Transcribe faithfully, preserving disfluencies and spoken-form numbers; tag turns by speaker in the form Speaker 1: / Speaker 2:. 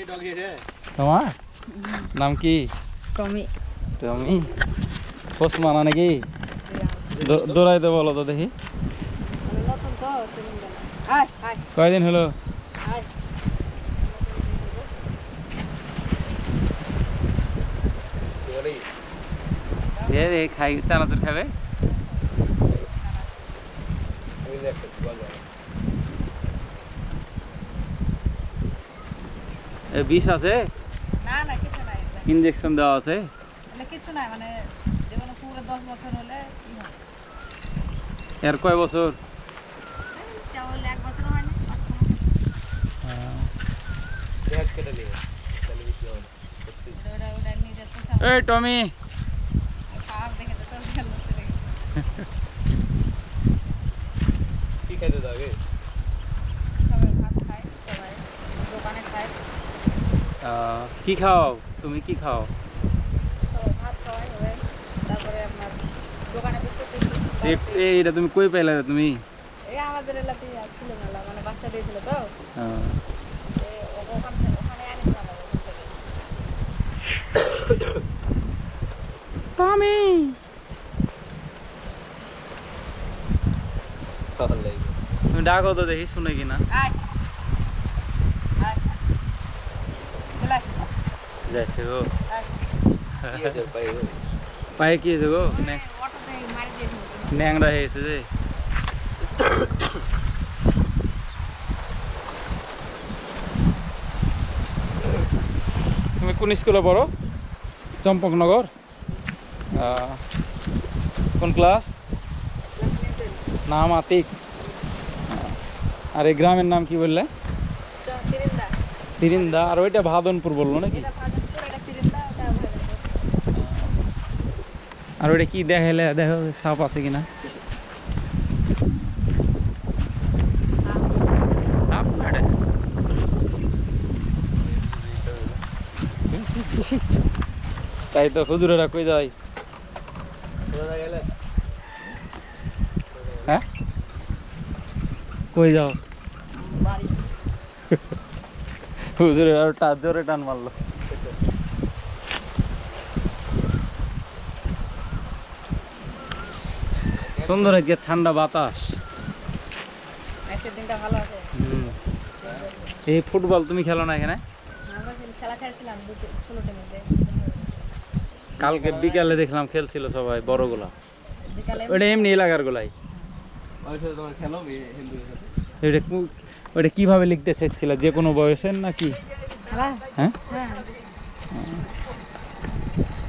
Speaker 1: তোমার নাম কি?
Speaker 2: টমি।
Speaker 1: টমি পোষ মানা নাকি? দৌড়াইতে বলো তো দেখি। কয়দিন হলো? খাই চানাচুর খাবে? বিষ আছে?
Speaker 2: না না কিছু নাই।
Speaker 1: ইনজেকশন দেওয়া আছে?
Speaker 2: মানে কিছু নাই, মানে যেকোনো পুরো দশ বছর হলে কি হয়?
Speaker 1: এর কয় বছর?
Speaker 2: কেবল এক বছর হয় না।
Speaker 1: এই টমি
Speaker 3: কি খাইতে যাবে?
Speaker 2: সবাই ভাত খায়, সবাই দোকানে খায়।
Speaker 1: কি খাও তুমি? কি খাও?
Speaker 2: সবাই ভাত খাওয়াই হবে, তারপরে আপনার দোকানে বিস্কুট টিস্কুট।
Speaker 1: এইটা তুমি কই পাইলা? তুমি
Speaker 2: এই আমাদের এলাকাতেই ছিল মেলা, মানে বাচ্চা দিয়েছিল তো ওখান থেকে, ওখানে আনিছিলাম ওখান থেকে।
Speaker 1: টমি তুমি ডাকো তো দেখি শুনে কিনা। যাইছে গো পায়ে কি হয়েছে গো? ন্যাংরা হয়েছে যে। তুমি কোন স্কুলে পড়ো? চম্পকনগর। কোন ক্লাস? নাম আতিক। আর এই গ্রামের নাম কি বললে? তিরিন্দা। আর ওইটা ভাদনপুর বললো নাকি? আর ওইটা কি দেখাইলে? দেখো সাপ আছে কিনা। সাপ না এটা? তাই তো হুজুরেরা কই যায়? হ্যাঁ কই যাও? হুজুরের আর টান জোরে টান মারলো। সুন্দর আজকে ঠান্ডা বাতাস।
Speaker 2: আজকের দিনটা ভালো আছে।
Speaker 1: এই ফুটবল তুমি খেলো না এখানে?
Speaker 2: খেলা খেলছিলাম ষোলোটার মধ্যে।
Speaker 1: কালকে বিকালে দেখলাম খেলছিল সবাই বড়গুলা। ওইটা এমনি এলাকার গুলাই। ওইটা কিভাবে লিখতে চাইছিল? যে কোনো বয়সের নাকি? হ্যাঁ।